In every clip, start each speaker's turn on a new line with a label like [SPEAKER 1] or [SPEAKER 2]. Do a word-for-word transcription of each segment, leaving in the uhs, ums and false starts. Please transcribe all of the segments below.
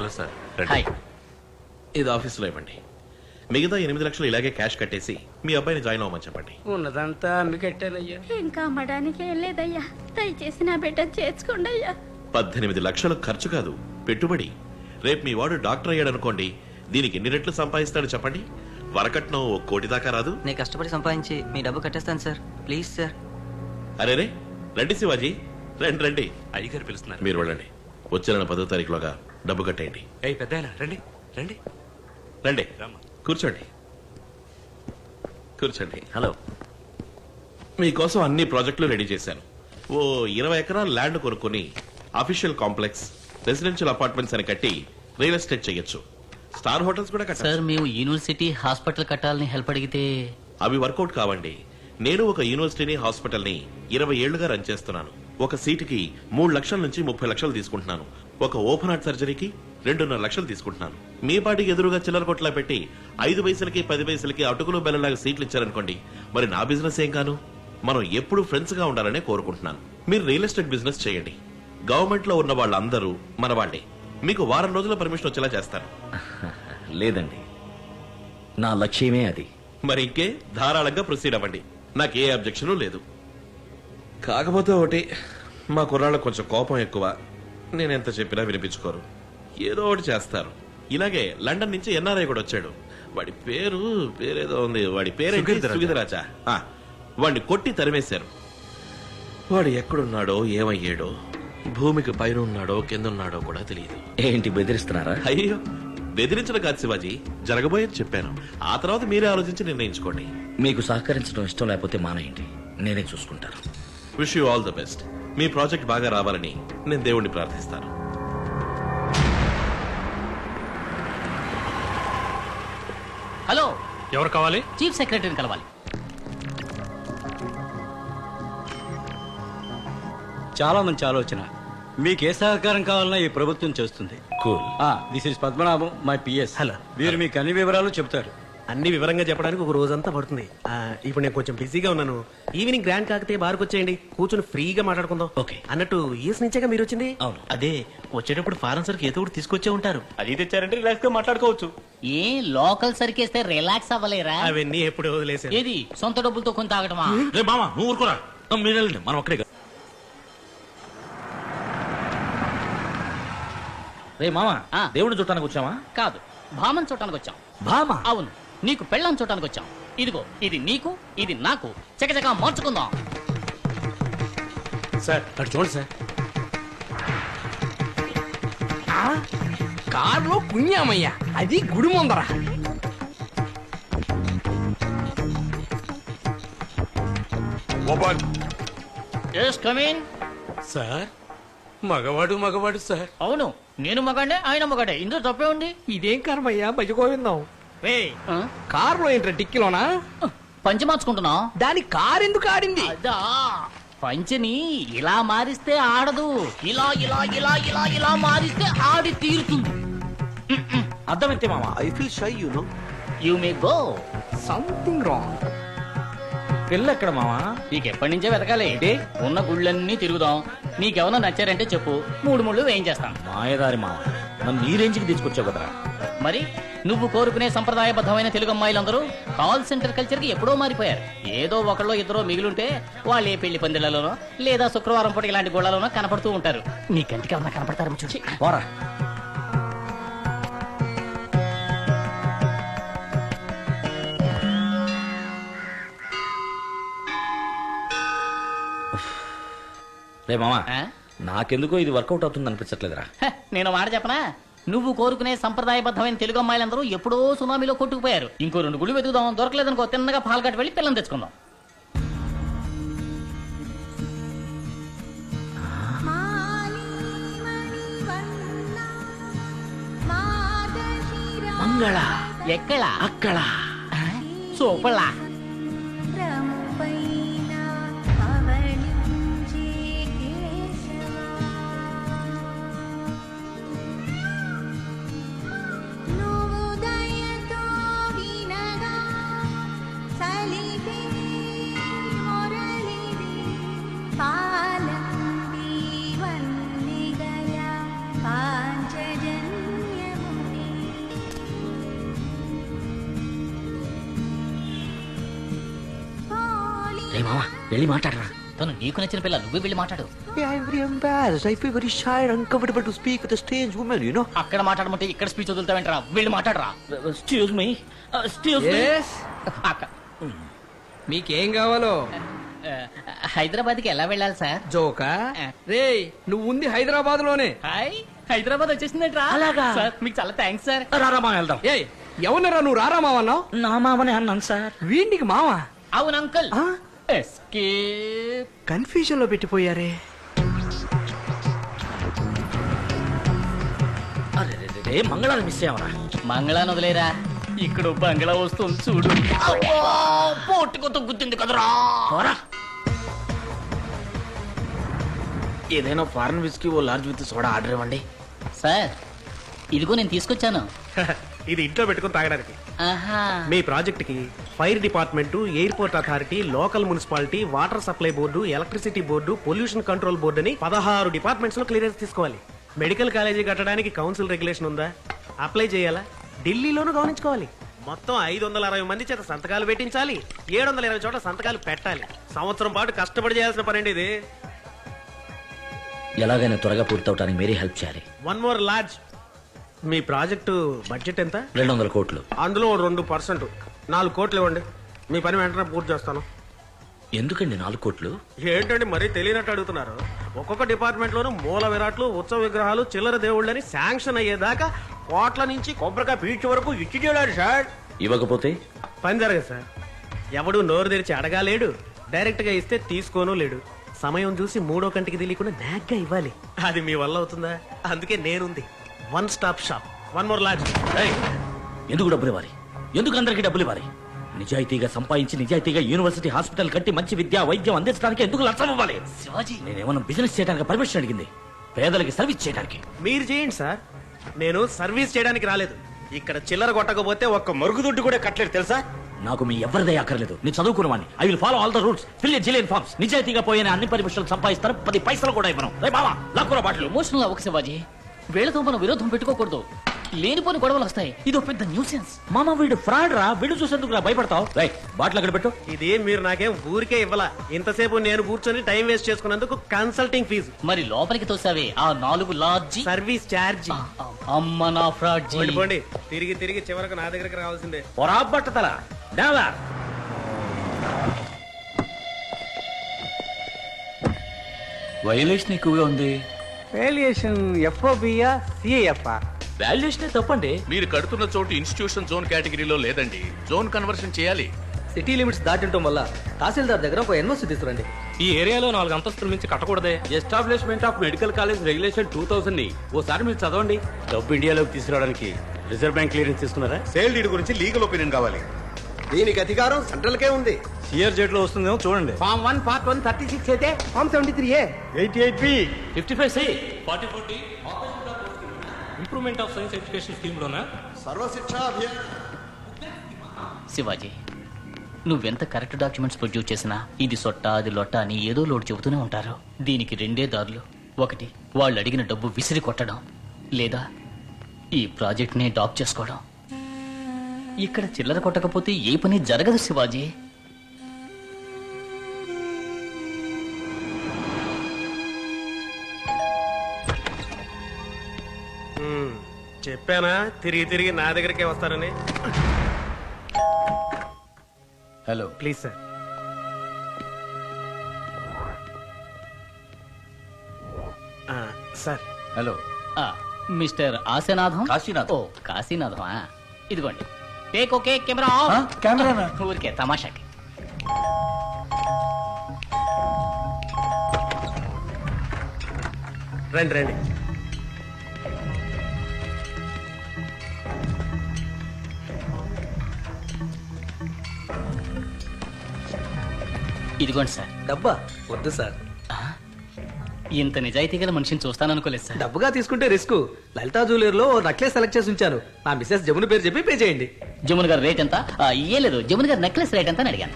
[SPEAKER 1] Hello sir.
[SPEAKER 2] Hi.
[SPEAKER 3] ఇది ఆఫీస్లో ఇవ్వండి. మిగతా ఎనిమిది లక్షలు ఇలాగే క్యాష్ కట్టేసి మీ అబ్బాయిని జాయిన్ అవ్వమని చెప్పండి.
[SPEAKER 2] ఉన్నదంతా అమ్మికెట్టానయ్యా.
[SPEAKER 4] ఇంకా అమ్మడానికి ఏం లేదయ్యా, దయచేసి నా బిడ్డ చేర్చుకోండి అయ్యా.
[SPEAKER 3] పద్దెనిమిది లక్షలు ఖర్చు కాదు, పెట్టుబడి. రేపు మీ వాడు డాక్టర్ అయ్యాడు అనుకోండి, దీనికి ఎన్ని రెట్లు సంపాదిస్తాడు చెప్పండి? వరకట్నం ఓ కోటి దాకా రాదు.
[SPEAKER 5] నేను కష్టపడి సంపాదించి మీ డబ్బు కట్టేస్తాను సార్, ప్లీజ్ సార్.
[SPEAKER 3] అరే రే, రండి శివాజీ, రండి రండి.
[SPEAKER 1] అయ్యగారు పిలుస్తున్నారు.
[SPEAKER 3] మీరు వెళ్ళండి. వచ్చే నెల పదో తారీఖులోగా డబ్బు కట్టేయండి.
[SPEAKER 1] ఏయ్ పెద్దాయన రండి రండి
[SPEAKER 3] రండి,
[SPEAKER 1] రమ్మ.
[SPEAKER 3] కూర్చోండి కూర్చోండి.
[SPEAKER 5] హలో.
[SPEAKER 3] మీకోసం అన్ని ప్రాజెక్టులు రెడీ చేశాను. ఓ ఇరవై ఎకరాల ల్యాండ్ కొనుక్కొని అఫీషియల్ కాంప్లెక్స్, రెసిడెన్షియల్ అపార్ట్మెంట్స్ అని కట్టి రియల్ ఎస్టేట్ చేయొచ్చు. స్టార్ హోటల్స్ కూడా
[SPEAKER 6] సార్
[SPEAKER 3] కట్టారు.
[SPEAKER 6] మేము యూనివర్సిటీ హాస్పిటల్ కట్టాలని హెల్ప్ అడిగితే
[SPEAKER 3] అవి వర్కౌట్ కావండి. నేను ఒక యూనివర్సిటీని, హాస్పిటల్ ని ఇరవై ఏళ్లుగా రన్ చేస్తున్నాను. ఒక సీటుకి మూడు లక్షల నుంచి ముప్పై లక్షలు తీసుకుంటున్నాను. ఒక ఓపెన్ హార్ట్ సర్జరీకి రెండున్నర లక్షలు తీసుకుంటున్నాను. మీ పాటికి ఎదురుగా చిల్లర కొట్లా పెట్టి ఐదు పైసలకి పది పైసలకి అటుకులు బెల్లలాగా సీట్లు ఇచ్చారనుకోండి, మరి నా బిజినెస్ ఏం కాను? మనం ఎప్పుడు ఫ్రెండ్స్ గా ఉండాలనే కోరుకుంటున్నాను. మీరు రియల్ ఎస్టేట్ బిజినెస్ చేయండి. గవర్నమెంట్ లో ఉన్న వాళ్ళందరూ మన వాళ్ళే. మీకు వారం రోజుల పర్మిషన్ వచ్చేలా చేస్తాను.
[SPEAKER 7] లేదండి, నా లక్ష్యమే అది.
[SPEAKER 3] మరి ఇంకే ధారాళంగా ప్రొసీడ్ అవ్వండి. నాకు ఏ అబ్జెక్షన్ లేదు. కాకపోతే ఒకటి, మా కుర్రాళ్ళకు కొంచెం కోపం ఎక్కువ. నేను ఎంత చెప్పినా వినిపించుకోరు, ఏదో ఒకటి చేస్తారు. ఇలాగే లండన్ నుంచి ఎన్ఆర్ఐ కూడా వచ్చాడు. వాడి పేరు పేరేదో ఉంది. వాడి పేరేంటి? సుగీతరాజా. వాడిని కొట్టి తరిమేశారు. వాడు ఎక్కడున్నాడో ఏమయ్యాడో, భూమికి పైన ఉన్నాడో కింద ఉన్నాడో కూడా తెలియదు.
[SPEAKER 7] ఏంటి బెదిరిస్తున్నారా?
[SPEAKER 3] అయ్యో, బెదిరించడం కాదు శివాజీ, జరగబోయేది చెప్పాను. ఆ తర్వాత మీరే ఆలోచించి నిర్ణయించుకోండి.
[SPEAKER 7] మీకు సహకరించడం ఇష్టం లేకపోతే మానేయండి, నేనే చూసుకుంటాను.
[SPEAKER 3] Wish you all the best. మీ ప్రాజెక్ట్ బాగా రావాలని నేను దేవుణ్ణి ప్రార్థిస్తాను.
[SPEAKER 6] హలో,
[SPEAKER 1] ఎవరు కావాలి?
[SPEAKER 6] చీఫ్ సెక్రటరీని కలవాలి.
[SPEAKER 2] చాలా మంచి ఆలోచన. మీకు ఏ సహకారం కావాలన్నా ఈ ప్రభుత్వం చేస్తుంది.
[SPEAKER 7] Cool.
[SPEAKER 2] This is Padmanabham, my PS.
[SPEAKER 8] Hello.
[SPEAKER 2] వీరు మీకు అన్ని వివరాలు చెప్తారు.
[SPEAKER 8] అన్ని వివరంగా చెప్పడానికి ఒక రోజంతా పడుతుంది. ఆ, ఇప్పుడు నేను కొంచెం బిజీగా ఉన్నాను. ఈవినింగ్ గ్రాండ్ కాకతే బార్కు వచ్చేయండి, కూర్చొని ఫ్రీగా మాట్లాడుకుందాం.
[SPEAKER 7] ఓకే.
[SPEAKER 8] అన్నట్టు ఈఎస్ నుంచేగా మీరు వచ్చింది?
[SPEAKER 7] అవును.
[SPEAKER 8] అదే వచ్చేటప్పుడు ఫారెన్ సరికి ఏదో ఒకటి తీసుకొచ్చే ఉంటారు.
[SPEAKER 1] అది తెచ్చారంటే రిలాక్స్ గా మాట్లాడుకోవచ్చు.
[SPEAKER 6] ఏ లోకల్ సరికేస్తే రిలాక్స్ అవ్వలేరా?
[SPEAKER 8] అవన్నీ ఎప్పుడు వదిలేసాను.
[SPEAKER 6] ఏది సొంత డబ్బులతో కొని తాగటమా?
[SPEAKER 7] రే మామ, నువ్వు ఊరుకోరా. మీరు వెళ్ళండి, మనం అక్కడే. రే మామ,
[SPEAKER 6] ఆ.
[SPEAKER 7] దేవుడిని చుట్టానికి వచ్చామా?
[SPEAKER 6] కాదు, భామన్ చూడటానికి వచ్చాం.
[SPEAKER 7] భామ?
[SPEAKER 6] అవును, నీకు పెళ్ళాం చూడటానికి వచ్చాం. ఇదిగో, ఇది నీకు, ఇది నాకు. చకచకా మార్చుకుందాం.
[SPEAKER 8] సార్ అటు చూడండి సార్.
[SPEAKER 2] కారులో పుణ్యామయ్య, అది గుడి ముందర.
[SPEAKER 6] Yes, come in.
[SPEAKER 8] సార్ మగవాడు మగవాడు సార్.
[SPEAKER 6] అవును, నేను మగాడే, ఆయన మగాడే. ఇందులో తప్పే ఉంది.
[SPEAKER 2] ఇదేం కర్మయ్యా, భజగోవిందాం. రే,
[SPEAKER 6] ఆ?
[SPEAKER 2] కారులో ఏంట్రా టిక్కిలోనా?
[SPEAKER 6] పంచి మార్చుకుంటున్నా.
[SPEAKER 2] దాని కారు ఎందుకు ఆడింది?
[SPEAKER 6] అదా, పంచని ఇలా మారిస్తే ఆడదు, ఇలా ఇలా ఇలా ఇలా ఇలా మారిస్తే ఆడి తీరుతుంది.
[SPEAKER 7] అర్థమైతే మామ.
[SPEAKER 8] I feel shy you know.
[SPEAKER 6] You may go.
[SPEAKER 2] Something wrong.
[SPEAKER 7] పెళ్ళి ఎక్కడ మామ?
[SPEAKER 6] నీకు ఎప్పటి నుంచే వెతకాలి. ఉన్న గుళ్ళన్నీ తిరుగుదాం. నీకెవరన్నా నచ్చారంటే చెప్పు, మూడు ముళ్ళు వేయించేస్తాను.
[SPEAKER 7] మాయదారి మామ, నన్ను ఈ రేంజ్కి తీసుకొచ్చావు కదరా.
[SPEAKER 6] మరి నువ్వు కోరుకునే సంప్రదాయబద్ధమైన తెలుగు అమ్మాయిలందరూ కాల్ సెంటర్ కల్చర్ కి ఎప్పుడో మారిపోయారు. ఏదో ఒకళ్ళో ఇద్దరో మిగిలింటే వాళ్ళు ఏ పెళ్లి పందిళ్లలోనో లేదా శుక్రవారం పూట ఇలాంటి గోళ్లలోనో కనపడుతూ ఉంటారు. నీ కంటికి ఎవరన్నా కనపడతారు చూసి
[SPEAKER 7] పోరా. రే మామ, నాకెందుకో ఇది వర్కౌట్ అవుతుంది అనిపించట్లేదురా.
[SPEAKER 6] నేను మాట చెప్పనా, నువ్వు కోరుకునే సంప్రదాయబద్ధమైన తెలుగు అమ్మాయిలందరూ ఎప్పుడో సునామీలో కొట్టుకుపోయారు. ఇంకో రెండు గుళ్ళు వెతుకుదాం, దొరకలేదనుకో తిన్నగా పాల్గట్ వెళ్ళి పిల్లలు తెచ్చుకుందాం.
[SPEAKER 7] మంగళ
[SPEAKER 6] ఎక్కడ?
[SPEAKER 7] అక్కడ.
[SPEAKER 6] సూపర్లా.
[SPEAKER 4] పాంచజన్య
[SPEAKER 7] రే మామ వెళ్ళి మాట్లాడరా.
[SPEAKER 6] తను నీకు నచ్చిన పిల్ల నువ్వే వెళ్ళి మాట్లాడు.
[SPEAKER 9] Yeah, I'm very embarrassed. I feel very shy and uncomfortable to speak with a strange woman, you know.
[SPEAKER 6] అక్కడ మాట్లాడమంటే ఇక్కడ స్పీచ్ వదులుతావేంట్రా, వెళ్ళి మాట్లాడరా.
[SPEAKER 7] ఎక్స్క్యూజ్ మీ ఎక్స్క్యూజ్ మీ
[SPEAKER 6] అక్క
[SPEAKER 10] మీకేం కావాలో?
[SPEAKER 6] హైదరాబాద్ కి ఎలా వెళ్ళాలి సార్?
[SPEAKER 10] జోకా రే, నువ్వు ఉంది హైదరాబాద్ లోనే.
[SPEAKER 6] హాయ్, హైదరాబాద్ వచ్చేసిందంట్రా.
[SPEAKER 7] అలాగా?
[SPEAKER 6] సార్ మీకు చాలా థ్యాంక్స్ సార్.
[SPEAKER 7] రారా మామ వెళ్దాం.
[SPEAKER 10] ఏ ఎవరినరా నువ్వు రారా మావన్నావు?
[SPEAKER 7] నా మామనే అన్నాను సార్.
[SPEAKER 10] వీడికి మావా?
[SPEAKER 6] అవును అంకుల్. ఎస్కేప్.
[SPEAKER 9] కన్ఫ్యూజన్ లో పెట్టిపోయారే.
[SPEAKER 7] అరే రే, రే, రే, మంగళాన్ని మిస్ అయ్యావరా.
[SPEAKER 6] మంగళాన్ని వదిలేరా, ఇక్కడ బంగ్లా వస్తుంది చూడు. పోటుకొత్త గుర్తుంది కదరా.
[SPEAKER 7] పోరా. ఏదైనా ఫారెన్ విస్కీ ఓ లార్జ్ విత్ సోడా ఆర్డర్ ఇవ్వండి.
[SPEAKER 6] సార్ ఇదిగో నేను తీసుకొచ్చాను.
[SPEAKER 8] ఇది ఇంట్లో పెట్టుకుని తాగడానికి.
[SPEAKER 6] ఆహా.
[SPEAKER 8] మీ ప్రాజెక్ట్ కి fire department, airport authority, local municipality, water supply board, electricity board, pollution control board అని పదహారు డిపార్ట్మెంట్స్ లో క్లియరెన్స్ తీసుకోవాలి. మెడికల్ కాలేజీ కట్టడానికి కౌన్సిల్ రెగ్యులేషన్ ఉందా? అప్లై చేయాలా? ఢిల్లీలోనూ గమనించుకోవాలి. మొత్తం ఐదు వందల అరవై మంది చేత సంతకాలు పెట్టించాలి. ఏడు వందల ఇరవై చోట్ల సంతకాలు పెట్టాలి. సంవత్సరం పాటు కష్టపడి చేయాల్సిన పని అండి ఇది.
[SPEAKER 7] ఎలాగైనా త్వరగా పూర్తవటానికి మీరే హెల్ప్ చేయాలి.
[SPEAKER 8] One more large. మీ ప్రాజెక్టు బడ్జెట్ ఎంత?
[SPEAKER 7] రెండు వందల కోట్లు.
[SPEAKER 8] అందులో రెండు పర్సెంట్ నాలుగు కోట్లు ఇవ్వండి. మీ పని వెంటనే పూర్తి చేస్తాను.
[SPEAKER 7] ఎందుకండి నాలుగు కోట్లు?
[SPEAKER 8] ఏంటండి మరీ తెలియనట్టు అడుగుతున్నారు. ఒక్కొక్క డిపార్ట్మెంట్ లోనూ మూల విరాట్లు, ఉత్సవ విగ్రహాలు, చిల్లర దేవుళ్ళని శాంక్షన్ అయ్యేదాకా కోట్ల నుంచి కొబ్బరికాయ పీచు వరకు ఇచ్చి చేయాలి సార్.
[SPEAKER 7] ఇవ్వకపోతే
[SPEAKER 8] పని జరగదు సార్. ఎవడు నోరు తెరిచి అడగాలేడు, డైరెక్ట్ గా ఇస్తే తీసుకోను లేడు. సమయం చూసి మూడో కంటికి తెలియకుండా నాగ్గా ఇవ్వాలి. అది మీ వల్ల అవుతుందా? అందుకే నేనుంది. One stop shop. One more large.
[SPEAKER 7] ఏయ్, ఎందుకు డబ్బులు ఇవ్వాలి? ఎందుకు అందరికీ డబ్బులు ఇవ్వాలి? నిజాయితీగా సంపాదించి నిజాయితీగా యూనివర్సిటీ హాస్పిటల్ కట్టి మంచి విద్య వైద్యం అందించడానికి ఎందుకు లక్షం ఇవ్వాలి?
[SPEAKER 6] శివాజీ,
[SPEAKER 7] నేనేమన్నా బిజినెస్ చేయడానికి పర్మిషన్ అడిగింది, పేదలకి సర్వీస్ చేయడానికి.
[SPEAKER 8] మీరు చేయండి సార్, నేను సర్వీస్ చేయడానికి రాలేదు. ఇక్కడ చిల్లర కొట్టకపోతే ఒక్క మరుగుదొడ్డు కూడా కట్టలేదు తెలుసా?
[SPEAKER 7] నాకు మీ ఎవరిదే అక్కర్లేదు. నేను చదువుకున్నవాడిని. I will follow all the rules, fill a zillion forms. నిజాయితీగా పోయిన అన్ని పర్మిషన్లు సంపాదిస్తారు, పది పైసలు కూడా ఇవ్వను. రే మామా, లాక్కురా బాటలు.
[SPEAKER 6] ఎమోషనల్ అవ్వక శివాజీ. వీళ్ళతో మనం విరోధం పెట్టుకోకూడదు. లేనిపోని గొడవలు వస్తాయి. ఇది ఒక పెద్ద న్యూసెన్స్.
[SPEAKER 7] మామ వీడు ఫ్రాడ్ రా. వీడు చూసేందుకు రా భయపడతావు. రై బాటిల్ అక్కడ పెట్టు.
[SPEAKER 8] ఇది మీరు నాకేం ఊరికే ఇవ్వాల. ఇంతసేపు నేను కూర్చొని టైం వేస్ట్ చేసుకున్నందుకు కన్సల్టింగ్ ఫీజు,
[SPEAKER 6] మరి లోపలికి తోసావే ఆ నాలుగు లాడ్జి,
[SPEAKER 8] సర్వీస్ ఛార్జ్.
[SPEAKER 6] అమ్మ నా ఫ్రాడ్ జీ.
[SPEAKER 8] పోండి, తిరిగి తిరిగి చివరకు నా దగ్గరికి రావాల్సిందే.
[SPEAKER 7] పొరా బట్టతల డావా.
[SPEAKER 2] వైలేషన్ ఎక్కువగా ఉంది.
[SPEAKER 10] వేలియేషన్ ఎఫ్ఓబియా సిఐఎఫ్ఆ?
[SPEAKER 7] వాల్యుయేషన్ తప్పండి.
[SPEAKER 1] మీరు కడుతున్న చోటు ఇన్స్టిట్యూషన్ జోన్ కేటగిరీలో లేదండి. జోన్ కన్వర్షన్ చేయాలి.
[SPEAKER 10] సిటీ లిమిట్స్ దాటింటం వల్ల తహసీల్దార్ దగ్గర ఒక ఎన్ఓసి తీసుకురండి.
[SPEAKER 1] ఈ ఏరియాలో నాలుగు అంతస్తుల నుంచి కట్టకూడదే.
[SPEAKER 2] Establishment of medical college regulation two thousand ని ఓసారి మీరు చదవండి. డబ్బు ఇండియాలోకి తీసుకురావడానికి రిజర్వ్ బ్యాంక్ క్లియరెన్స్ తీసుకున్నారా?
[SPEAKER 11] సేల్ డీడ్ గురించి లీగల్ ఒపీనియన్ కావాలి. దీనికి అధికారం సెంట్రల్ కే ఉంది.
[SPEAKER 2] సిఆర్ జెట్ లో వస్తుందేమో చూడండి.
[SPEAKER 10] Form one part one thirty six అయితే form seventy three A
[SPEAKER 2] eighty eight B
[SPEAKER 7] fifty five C
[SPEAKER 1] forty forty improvement of science education scheme లోనా?
[SPEAKER 11] సర్వశిక్ష అభియాన్.
[SPEAKER 6] శివాజీ, నువ్వెంత కరెక్ట్ డాక్యుమెంట్స్ ప్రొడ్యూస్ చేసినా ఇది సొట్ట అది లొట్ట అని ఏదో లోటు చెబుతూనే ఉంటారు. దీనికి రెండే దారులు. ఒకటి, వాళ్ళు అడిగిన డబ్బు విసిరి కొట్టడం, లేదా ఈ ప్రాజెక్ట్ ని డాప్ చేసుకోవడం. ఇక్కడ చిల్లర కొట్టకపోతే ఏ పని జరగదు శివాజీ.
[SPEAKER 8] హ్మ్, చెప్పానా తిరిగి తిరిగి నా దగ్గరికే వస్తారని.
[SPEAKER 2] Hello,
[SPEAKER 8] please sir. ఆ, సార్
[SPEAKER 2] హలో.
[SPEAKER 6] ఆ, మిస్టర్ ఆశనాథం.
[SPEAKER 2] కాశీనాథం.
[SPEAKER 6] ఓ కాశీనాథం. ఆ, ఇదిగోండి. Take okay camera off.
[SPEAKER 2] Camera
[SPEAKER 6] ఊరికే తమాషాకి.
[SPEAKER 8] రండి రండి.
[SPEAKER 6] ఇదిగోండి సార్.
[SPEAKER 10] డబ్బా వద్దు సార్.
[SPEAKER 6] ఇంత నిజాయితీ గల మనిషిని చూస్తాననుకోలేదు సార్.
[SPEAKER 10] డబ్బుగా తీసుకుంటే రిస్క్. లలితా జ్యువెలర్ లో నెక్లెస్ సెలెక్ట్ చేసి ఉంచాను. నా మిస్సెస్ జమున పేరు చెప్పి పే చేయండి.
[SPEAKER 6] జమున్ గారి రేట్ ఎంత? ఆ, ఏ లేదు, జమున్ గారి నెక్లెస్ రేట్ ఎంత అని అడిగాను.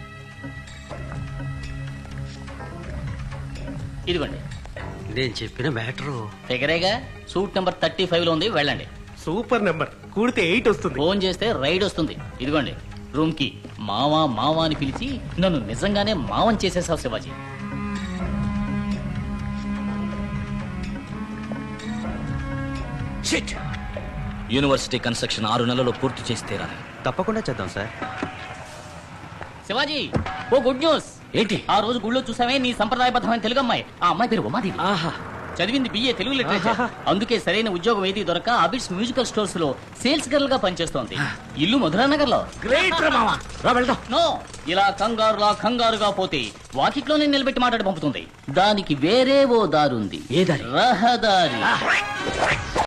[SPEAKER 6] ఇదిగోండి.
[SPEAKER 9] నేను చెప్పిన మ్యాటరు
[SPEAKER 6] ఫిగరేగా. సూట్ నెంబర్ థర్టీ ఫైవ్ లో ఉంది, వెళ్ళండి.
[SPEAKER 8] Super number. కూడితే ఎయిట్ వస్తుంది.
[SPEAKER 6] ఫోన్ చేస్తే రైడ్ వస్తుంది. ఇదిగోండి. రూమ్ కి మావా మావా అని పిలిచి నన్ను నిజంగానే మావం చేసేసావు శివాజీ.
[SPEAKER 7] షిట్! యూనివర్సిటీ కన్స్ట్రక్షన్ ఆరు నెలల్లో పూర్తి చేసి తీరాలి.
[SPEAKER 9] తప్పకుండా చేద్దాం sir.
[SPEAKER 6] Shivaji, oh good news.
[SPEAKER 7] ఏంటి?
[SPEAKER 6] ఆ రోజు గుళ్ళో చూసామే నీ సంప్రదాయబద్ధమైన తెలుగు అమ్మాయి. ఆ అమ్మాయి పేరు ఉమాదేవి.
[SPEAKER 7] ఆహా,
[SPEAKER 6] చదివింది బిఏ తెలుగు లిటరేచర్. అందుకే సరైన ఉద్యోగం ఏది దొరక అబిడ్స్ మ్యూజికల్ స్టోర్స్ లో సేల్స్ గర్ల్ గా పనిచేస్తోంది. ఇల్లు మధురానగర్ లో.
[SPEAKER 7] గ్రేట్ రా మావా. రా వెళ్దాం.
[SPEAKER 6] నో, ఇలా కంగారులా కంగారుగా పోతే వాకిట్లోనే నిలబెట్టి మాట్లాడి పంపుతుంది. దానికి వేరే ఓ దారుంది.
[SPEAKER 7] ఏ దారి?
[SPEAKER 6] రహదారి.